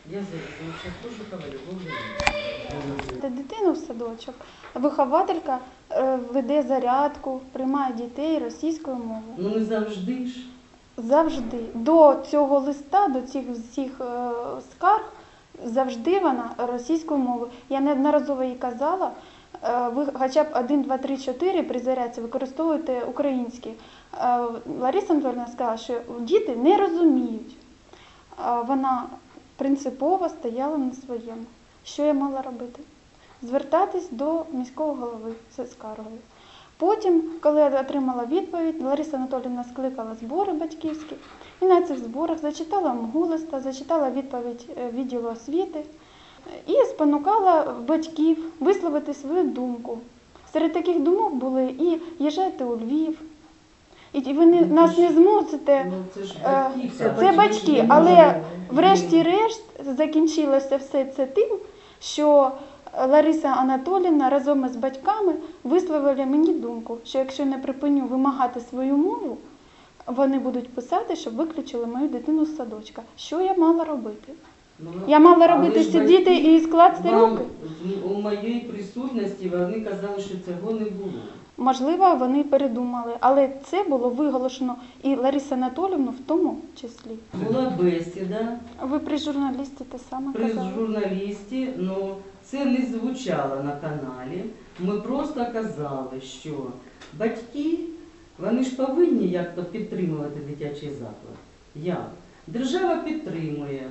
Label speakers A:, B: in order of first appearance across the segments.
A: Я зараз Кожухова Любов Леонідівна.
B: Дитину в садочок. Вихователька веде зарядку, приймає дітей російською мовою.
A: Ну не завжди ж.
B: Завжди. До цього листа, до цих всіх скарг, завжди вона російською мовою. Я неодноразово їй казала, ви хоча б 1, 2, 3, 4 при зарядці використовуєте українські. Лариса Анатоліївна сказала, що діти не розуміють. Вона принципово стояла на своєму. Що я мала робити? Звертатись до міського голови з скаргою. Потім, коли я отримала відповідь, Лариса Анатоліївна скликала збори батьківські і на цих зборах зачитала МГУ-листа, зачитала відповідь відділу освіти і спонукала батьків висловити свою думку. Серед таких думок були і їжджайте у Львів, і ви нас не змусите, це батьки, але врешті-решт закінчилося все це тим, що Лариса Анатоліївна разом із батьками висловили мені думку, що якщо не припиню вимагати свою мову, вони будуть писати, щоб виключили мою дитину з садочка. Що я мала робити? Я мала робити сидіти і скласти руки?
A: У моїй присутності вони казали, що цього не було.
B: Можливо, вони передумали, але це було виголошено і Ларису Анатоліївну в тому числі.
A: Була бесіда.
B: Ви при журналісті те саме
A: При
B: казали?
A: журналісті, ну це не звучало на каналі. Ми просто казали, що батьки, вони ж повинні як-то підтримувати дитячий заклад. Як? Держава підтримує.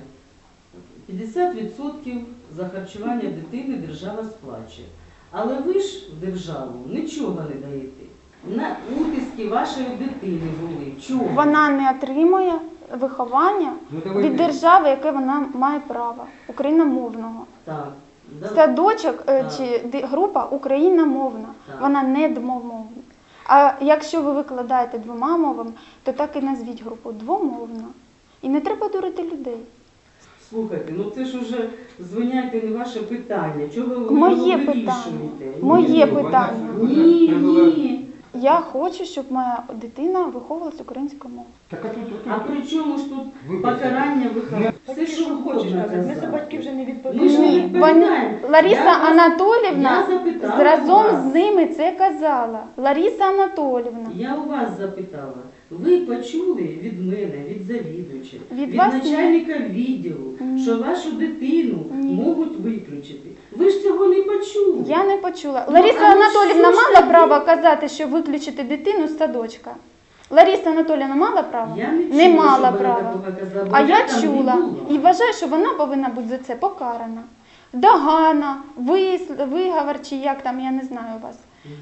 A: 50% за харчування дитини держава сплачує. Але ви ж в державу нічого не даєте. На утиски вашої дитини були. Чого?
B: Вона не отримує виховання від держави, яке вона має право, україномовного.
A: Так.
B: Садочок чи група україномовна, вона не двомовна. А якщо ви викладаєте двома мовами, то так і назвіть групу двомовна. І не треба дурити людей.
A: Слухайте, ну це ж уже, звиняйте, не ваше питання. Чого ви
B: Моє
A: його
B: питання.
A: вирішуєте?
B: Моє питання.
A: Ні.
B: Я хочу, щоб моя дитина виховувалась українською мовою.
A: А при чому ж тут покарання виховання? Все, що ви хочете.
C: Ми за батьків вже не
A: Ми ж
C: відповідаємо.
A: не
B: Ні,
A: відповідаємо.
B: Лариса
A: Я
B: Анатоліївна
A: запитала
B: разом
A: вас.
B: з ними це казала. Лариса Анатоліївна.
A: Я у вас запитала. Ви почули від мене, від завідувача,
B: Від
A: від
B: вас
A: начальника відділу,
B: Ні.
A: що вашу дитину
B: Ні.
A: можуть виключити. Ви ж цього не почули.
B: Я не почула.
A: Ну,
B: Лариса
A: а ну
B: Анатоліївна
A: що ж
B: мала
A: тоді?
B: право казати, що виключити дитину з садочка? Лариса Анатоліївна мала право?
A: Я не
B: Не
A: чула,
B: мала
A: щоб вона
B: права.
A: такого казала, бо
B: А я
A: там не
B: чула
A: була.
B: і вважаю, що вона повинна бути за це покарана. Догана, виговор чи як там, я не знаю вас.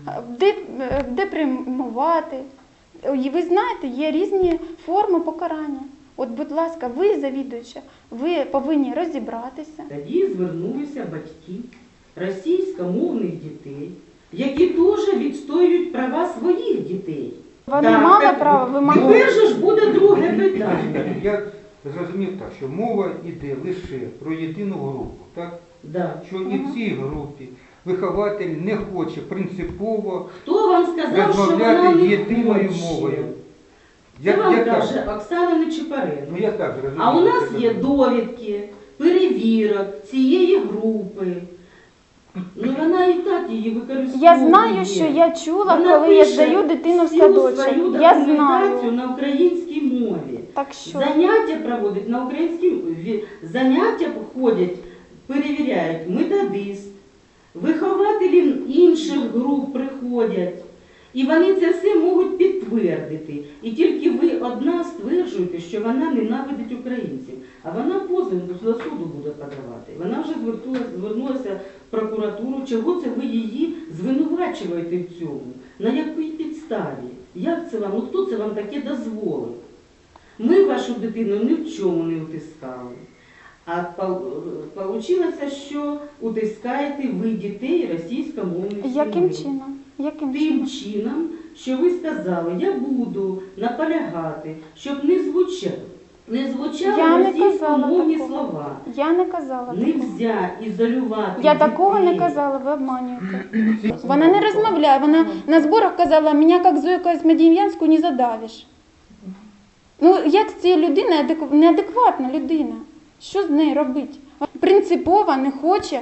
B: Депримувати. І ви знаєте, є різні форми покарання. От, будь ласка, ви, завідуюча, ви повинні розібратися.
A: Тоді звернулися батьки російськомовних дітей, які теж відстоюють права своїх дітей.
B: Вони
A: Так,
B: мали
A: так,
B: право вимагати.
A: Тепер же ж буде друге питання.
D: Я зрозумів так, що мова йде лише про єдину групу, так?
A: Да.
D: Що і в цій групі вихователь не хоче принципово
A: Хто вам сказав, що вона
D: розмовляти
A: не
D: єдиною
A: хоче?
D: мовою.
A: Це вам
D: так?
A: каже Оксана Нечипаренко.
D: Ну я так зрозумів.
A: А у нас
D: що
A: є
D: це.
A: довідки, перевірок цієї групи. Ну вона і так її використовує.
B: Я знаю, що я чула,
A: Вона
B: коли я
A: пише
B: здаю дитину в
A: всю
B: садочок.
A: свою
B: Я
A: документацію
B: знаю.
A: на українській мові.
B: Так що?
A: Заняття проводять на українській мові. Заняття ходять, перевіряють методист, вихователі інших груп приходять. І вони це все можуть підтвердити. І тільки ви одна стверджуєте, що вона ненавидить українців. А вона позов до суду буде подавати. Вона вже звернулася в прокуратуру. Чого це ви її звинувачуєте в цьому? На якій підставі? Як це вам? Ну хто це вам таке дозволив? Ми вашу дитину ні в чому не утискали. А вийшло, що утискаєте ви дітей російськомовних сімей.
B: Яким чином? Яким
A: Тим
B: чином?
A: чином, що ви сказали, я буду наполягати, щоб не звучали
B: Я не казала
A: російськомовні
B: такого.
A: слова.
B: Я не казала такого.
A: Нельзя ізолювати
B: Я такого не
A: дітей.
B: казала, ви обманюєте. Вона не розмовляє, вона на зборах казала, мене як Зойку Смедієнську не задавиш. Ну, як з цією людиною, неадекватна людина, що з нею робити? принципово не хоче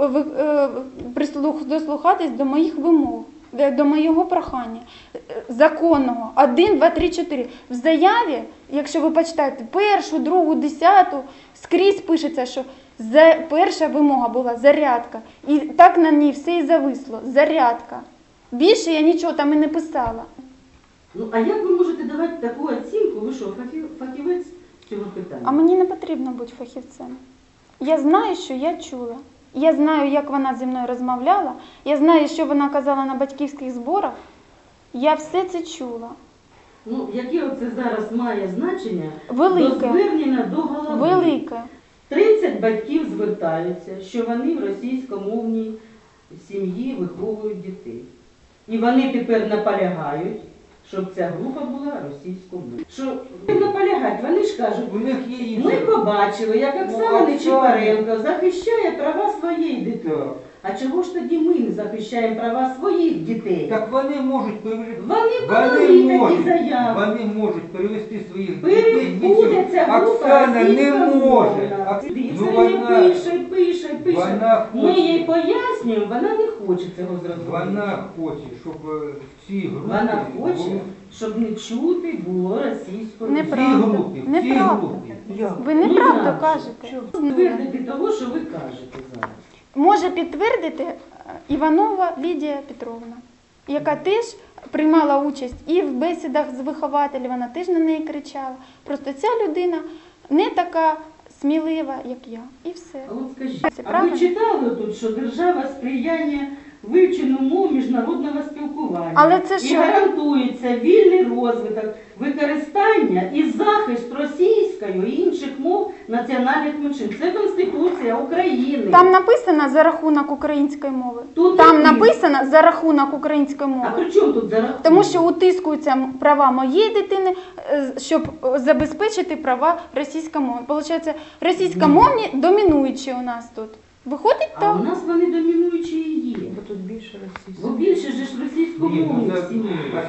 B: дослухатись до моїх вимог, до моєго прохання законного. 1, 2, 3, 4. В заяві, якщо ви почитаєте першу, другу, 10, скрізь пишеться, що перша вимога була зарядка. І так на ній все і зависло. Зарядка. Більше я нічого там і не писала.
A: Ну, а як ви можете давати таку оцінку? Ви що, фахівець з цього питання?
B: А мені не потрібно бути фахівцем. Я знаю, що я чула. Я знаю, як вона зі мною розмовляла. Я знаю, що вона казала на батьківських зборах. Я все це чула.
A: Ну, яке оце зараз має значення
B: Велике.
A: до звернення до голови?
B: Велике.
A: 30 батьків звертаються, що вони в російськомовній сім'ї виховують дітей. І вони тепер наполягають, щоб ця група була російськомовною. Що наполягають? Вони ж кажуть,
D: У них є інші.
A: ми побачили, як Оксана Нечипаренко захищає права своєї дитини.
D: Так.
A: А чого ж тоді ми не захищаємо права своїх дітей?
D: Так вони можуть перевести.
A: Вони подали такі заяви.
D: Вони можуть перевести своїх дітей.
A: Буде ця група
D: Оксана не може.
A: Ну, вона пише.
D: Вона
A: Ми
D: хоче.
A: їй пояснюємо, вона не хоче цього зробити.
D: Вона хоче, щоб ці групи
A: Вона хоче,
D: були
A: щоб не чути було російською.
B: Неправда.
D: ці групи.
B: Неправда. Ви неправду кажете.
A: Підтвердити того, що ви кажете зараз.
B: Може підтвердити Іванова Лідія Петровна, яка теж приймала участь і в бесідах з вихователів, вона теж на неї кричала. Просто ця людина не така смілива, як я. І все.
A: А от скажіть,
B: Це
A: а
B: правильно?
A: ви читали тут, що держава сприяє вивченню мов міжнародного спілкування
B: Але це
A: і
B: що?
A: гарантується вільний розвиток, використання і захист російської і інших мов національних меншин. Це Конституція України.
B: Там написано за рахунок української мови.
A: Тут
B: Там
A: не
B: написано за рахунок української
A: А
B: мови.
A: при чому тут зарахунок?
B: Тому що утискуються права моєї дитини, щоб забезпечити права російськомовні. Получається, російськомовні домінуючі у нас тут. Виходить
A: А
B: так.
A: у нас вони домінуючі і є.
C: Бо тут більше
A: Бо
C: російських.
A: більше ж російськомовних сімей.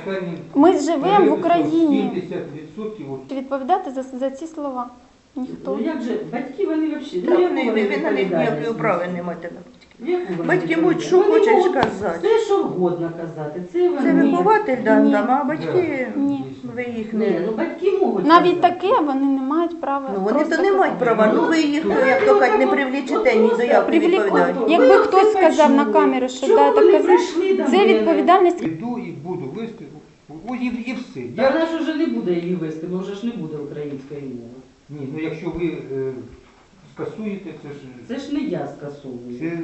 B: Ми живемо в Україні.
D: 70% от
B: Відповідати за ці слова ніхто.
A: Ну як же, батьки вони взагалі,
C: Так,
A: яку
C: ви
A: вони
C: на них ніякої
A: відповідальність
C: права
A: несуть?
C: не маєте на батьків.
A: Яку вони
C: Батьки
A: відповідальність?
C: можуть, що
A: Вони
C: хочуть
A: можуть
C: сказати.
A: Все, що вгодно казати. Це
C: Це
A: вони.
C: вихователь
B: Ні.
C: дам, а батьки,
B: Ні.
C: ви їх
A: Ні,
C: не...
A: ну батьки можуть
B: Навіть
A: казати.
B: таке вони не мають права.
C: Ну, вони
B: просто
C: то не мають
B: казати.
C: права, ну ви їх, як то кажуть, не привлічете, ні за як не відповідають.
B: Якби
A: Ви
B: хтось
A: це
B: сказав на
A: почули.
B: камеру, що
A: Чого
B: да,
A: ви
B: так
A: не
B: казав,
A: прийшли до
B: це
A: мене?
B: відповідальність.
D: Іду і буду вести. Ось і все.
A: Та вона ж вже не буде її вести, бо вже ж не буде української мови.
D: Ні, ну якщо ви скасуєте, це ж
A: Це ж не я скасовую.
D: це,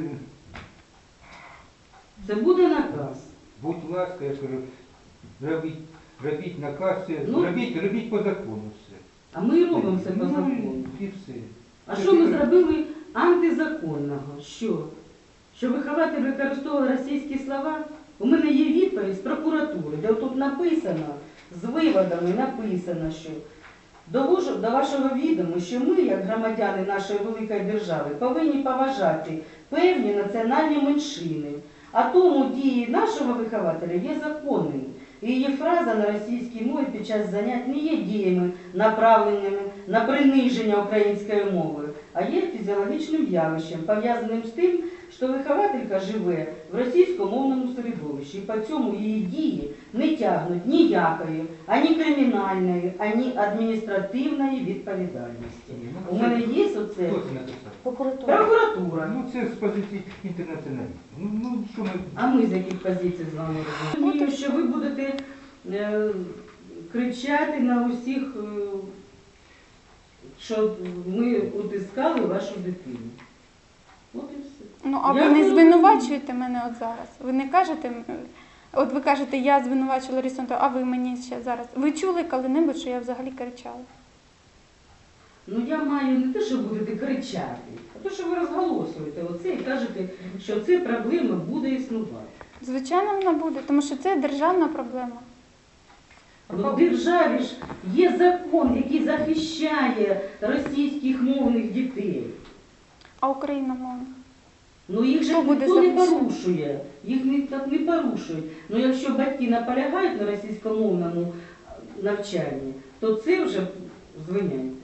A: Це буде наказ.
D: будь ласка, я кажу, робіть наказ,
A: Ну.
D: робіть по закону все.
A: А ми і робимо це по
D: Ну,
A: закону.
D: і все.
A: А що ми зробили антизаконного? Що вихователь використовував російські слова? У мене є відповідь з прокуратури, де тут написано, з виводами написано, що до вашого відому, що ми, як громадяни нашої великої держави, повинні поважати певні національні меншини. А тому дії нашого вихователя є законними. І її фраза на російській мові під час занять не є діями, направленими на приниження української мови, а є фізіологічним явищем, пов'язаним з тим, що вихователька живе в російськомовному середовищі, і по цьому її дії не тягнуть ніякої, ані кримінальної, ані адміністративної відповідальності. У мене є оце
D: Хто це написав?
C: Прокуратура.
A: прокуратура.
D: Ну це з позиції інтернаціоналістів. Ну що ми...
A: А ми з яких позицій з вами розуміємо, що ви будете кричати на усіх, що ми утискали вашу дитину. От і все.
B: Ну, а
A: Я
B: ви не
A: не
B: звинувачуєте мене от зараз. Ви не кажете, от ви кажете, я звинувачила Ларису Антонівну, а ви мені ще зараз. Ви чули коли-небудь, що я взагалі кричала?
A: Ну я маю не те, що будете кричати, а те, що ви розголосуєте оце і кажете, що ця проблема буде існувати.
B: Звичайно, вона буде, тому що це державна проблема.
A: Ну, в державі ж є закон, який захищає російських мовних дітей.
B: А україномовна?
A: Ну їх же
B: Хто буде
A: ніхто не
B: захищати?
A: порушує, їх так не порушують. Ну якщо батьки наполягають на російськомовному навчанні, то це вже звиняють.